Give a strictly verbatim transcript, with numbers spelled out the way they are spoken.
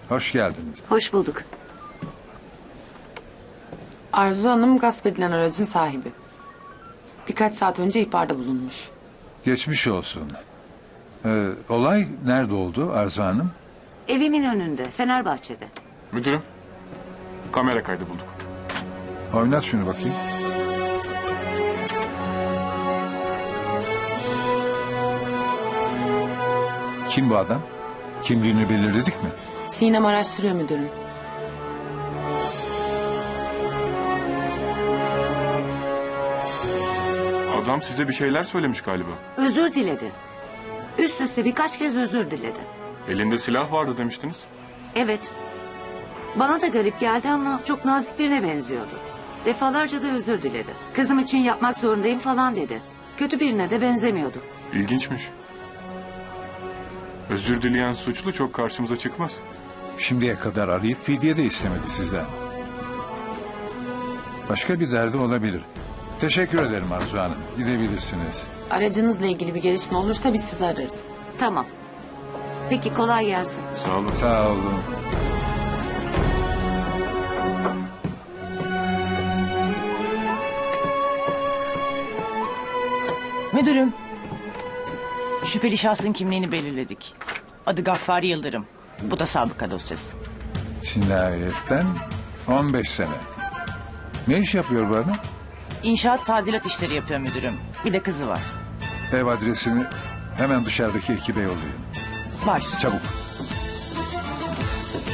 Hoş geldiniz. Hoş bulduk. Arzu Hanım gasp edilen aracın sahibi. Birkaç saat önce ihbarda bulunmuş. Geçmiş olsun. Ee, olay nerede oldu Arzu Hanım? Evimin önünde, Fenerbahçe'de. Müdürüm, kamera kaydı bulduk. Oynat şunu bakayım. Kim bu adam? Kimliğini belirledik mi? Sinem araştırıyor müdürüm. Adam size bir şeyler söylemiş galiba. Özür diledi. Üst üste birkaç kez özür diledi. Elinde silah vardı demiştiniz. Evet. Bana da garip geldi ama çok nazik birine benziyordu. Defalarca da özür diledi. Kızım için yapmak zorundayım falan dedi. Kötü birine de benzemiyordu. İlginçmiş. Özür dileyen suçlu çok karşımıza çıkmaz. Şimdiye kadar arayıp fidye de istemedi sizden. Başka bir derdi olabilir. Teşekkür ederim Arzu Hanım. Gidebilirsiniz. Aracınızla ilgili bir gelişme olursa biz sizi ararız. Tamam. Peki kolay gelsin. Sağ olun. Sağ olun. Müdürüm. Şüpheli şahsın kimliğini belirledik. Adı Gaffari Yıldırım. Bu da sabıka dosyası. Cinayetten on beş sene. Ne iş yapıyor bu adam? İnşaat tadilat işleri yapıyor müdürüm. Bir de kızı var. Ev adresini hemen dışarıdaki ekibe yollayın. Var. Çabuk.